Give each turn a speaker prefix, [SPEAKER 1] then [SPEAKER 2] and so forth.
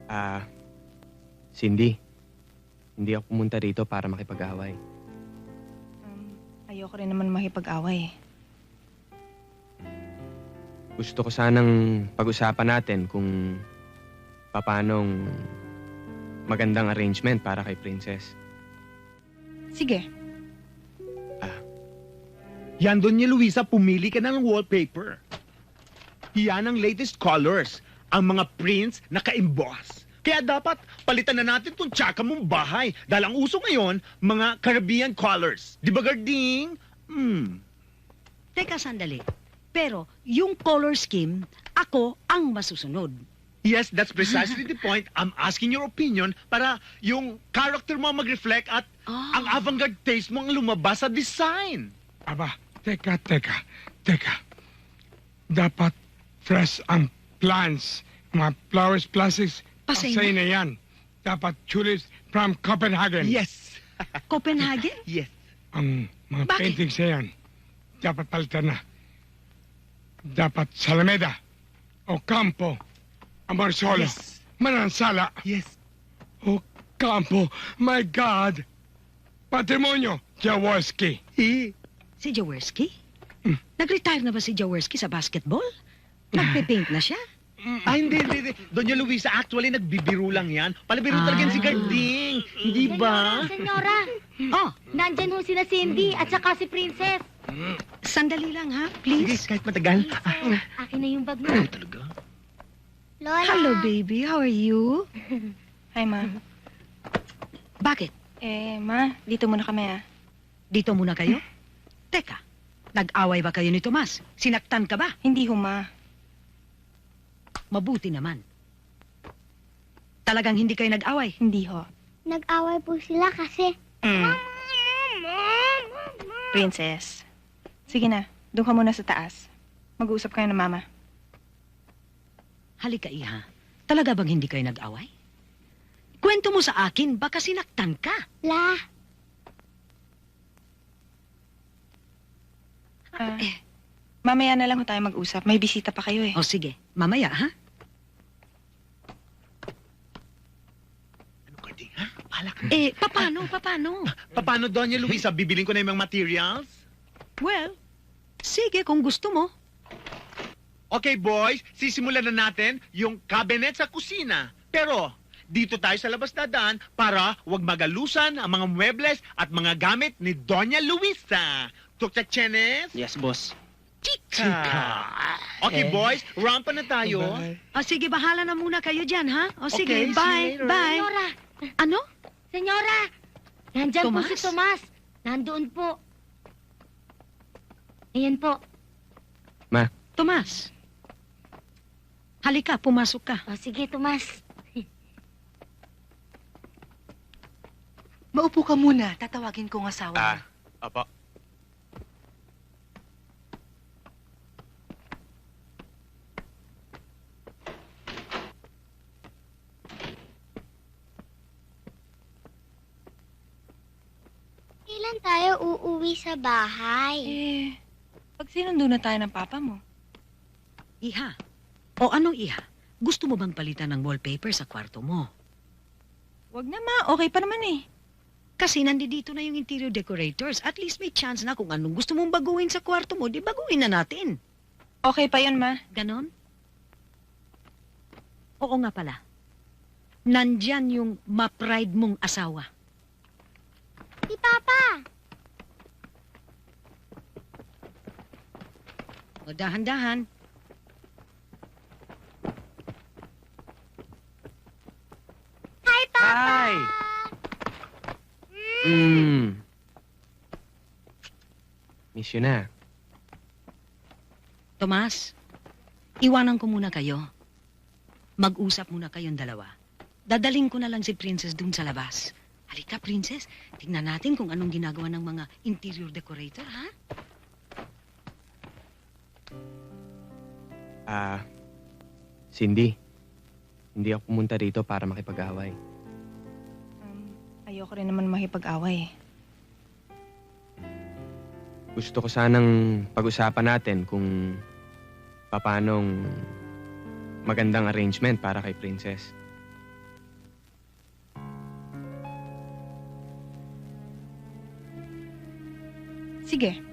[SPEAKER 1] Ah, Cindy, hindi ako pumunta rito para makipag-away.
[SPEAKER 2] Ayoko rin naman makipag-away.
[SPEAKER 1] Gusto ko sanang pag-usapan natin kung paanong magandang arrangement para kay Princess.
[SPEAKER 2] Sige.
[SPEAKER 3] Yan doon niya, Luisa, pumili ka na ng wallpaper. Yan ang latest colors, ang mga prints na ka-emboss. Kaya dapat palitan na natin tong tsaka mong bahay. Dahil ang uso ngayon, mga Caribbean colors. Di ba, Garding?
[SPEAKER 4] Teka, sandali. Pero yung color scheme, ako ang masusunod.
[SPEAKER 3] Yes, that's precisely the point. I'm asking your opinion para yung character mo mag-reflect at ang avant-garde taste mo ang lumabas sa design.
[SPEAKER 5] Aba, teka. Dapat fresh ang plants. Mga flowers, plastics,
[SPEAKER 4] Pasay
[SPEAKER 5] pasay na yan. Dapat tulips from Copenhagen.
[SPEAKER 3] Yes.
[SPEAKER 4] Copenhagen?
[SPEAKER 3] Yes.
[SPEAKER 5] Ang mga
[SPEAKER 4] Bakit?
[SPEAKER 5] paintings na yan, dapat palitan na. Dapat Salameda, Ocampo, Amorsolo,
[SPEAKER 3] Yes.
[SPEAKER 5] Manansala,
[SPEAKER 3] Yes.
[SPEAKER 5] Ocampo, my God! Patrimonio, Jaworski.
[SPEAKER 4] Si Jaworski? Nag-retire na ba si Jaworski sa basketball? Nagpe-paint na siya?
[SPEAKER 3] Hindi. Doña Luisa, actually, nagbibiro lang yan. Palabiro talaga yan si Garding. Hindi ba?
[SPEAKER 6] Senyora,
[SPEAKER 4] Oh,
[SPEAKER 6] nandyan ho sina Cindy at saka si Princess.
[SPEAKER 4] sandali lang ha,
[SPEAKER 3] Sige,
[SPEAKER 4] please.
[SPEAKER 3] kahit matagal.
[SPEAKER 6] Akin na yung bag mo.
[SPEAKER 3] Talaga?
[SPEAKER 6] Lola.
[SPEAKER 4] Hello, baby. How are you?
[SPEAKER 2] Hi, Ma.
[SPEAKER 4] Bakit?
[SPEAKER 2] Ma, dito muna kami,
[SPEAKER 4] Dito muna kayo? Teka, nag-away ba kayo ni Tomas? Sinaktan ka ba?
[SPEAKER 2] Hindi ho, Ma.
[SPEAKER 4] Mabuti naman. Talagang hindi kayo nag-away?
[SPEAKER 2] Hindi ho.
[SPEAKER 6] Nag-away po sila kasi...
[SPEAKER 2] Princess. Sige na, doon ka muna sa taas. Mag-uusap kayo ng Mama.
[SPEAKER 4] Halika, Iha. Talaga bang hindi kayo nag-away? Kwento mo sa akin, baka sinaktan ka.
[SPEAKER 6] La,
[SPEAKER 2] Mamaya na lang ho tayo mag-usap. May bisita pa kayo
[SPEAKER 4] O sige, mamaya ha?
[SPEAKER 3] Ano, Garding, ha? Bahala ka.
[SPEAKER 4] Paano?
[SPEAKER 3] Paano, Doña Luisa? Bibiling ko na yung mga materials?
[SPEAKER 4] Well, sige kung gusto mo.
[SPEAKER 3] Okay, boys. Sisimulan na natin yung cabinet sa kusina. Pero, dito tayo sa labas dadaan para wag magalusan ang mga muebles at mga gamit ni Doña Luisa. Dr. Chenes?
[SPEAKER 1] Yes, boss.
[SPEAKER 3] Chika. Okay, boys. Rampa na tayo.
[SPEAKER 4] O sige, bahala na muna kayo dyan, ha? O sige,
[SPEAKER 3] Okay, see you
[SPEAKER 4] bye,
[SPEAKER 3] later.
[SPEAKER 4] bye.
[SPEAKER 6] Senyora,
[SPEAKER 4] Ano?
[SPEAKER 6] Senyora, nandyan po
[SPEAKER 4] Tomas?
[SPEAKER 6] si Tomas. Nandoon po. Ayan po.
[SPEAKER 4] Tomas. Halika, pumasok ka.
[SPEAKER 6] O sige, Tomas.
[SPEAKER 7] Maupo ka muna. Tatawagin ko ang asawa mo.
[SPEAKER 1] Opo.
[SPEAKER 6] Kailan tayo uuwi sa bahay?
[SPEAKER 2] Pag sinundo na tayo ng papa mo.
[SPEAKER 4] Iha. O anong Iha? Gusto mo bang palitan ng wallpaper sa kwarto mo?
[SPEAKER 2] Wag na, Ma. Okay pa naman
[SPEAKER 4] Kasi nandito na yung interior decorators. At least may chance na kung anong gusto mong baguhin sa kwarto mo, di baguhin na natin.
[SPEAKER 2] Okay pa yun, Ma.
[SPEAKER 4] Ganon? Oo nga pala. Nandyan yung ma-pride mong asawa.
[SPEAKER 6] Si Papa.
[SPEAKER 4] O dahan-dahan.
[SPEAKER 6] Hi, Papa.
[SPEAKER 1] Hi! Miss you na.
[SPEAKER 4] Tomas, iwanan ko muna kayo. Mag-usap muna kayong dalawa. Dadaling ko na lang si Princess dun sa labas. Halika, Princess. Tingnan natin kung anong ginagawa ng mga interior decorator, ha?
[SPEAKER 1] Cindy, hindi ako pumunta rito para makipag-away.
[SPEAKER 2] Ayoko rin naman makipag-away.
[SPEAKER 1] Gusto ko sanang pag-usapan natin kung paanong magandang arrangement para kay Princess.
[SPEAKER 2] Sige.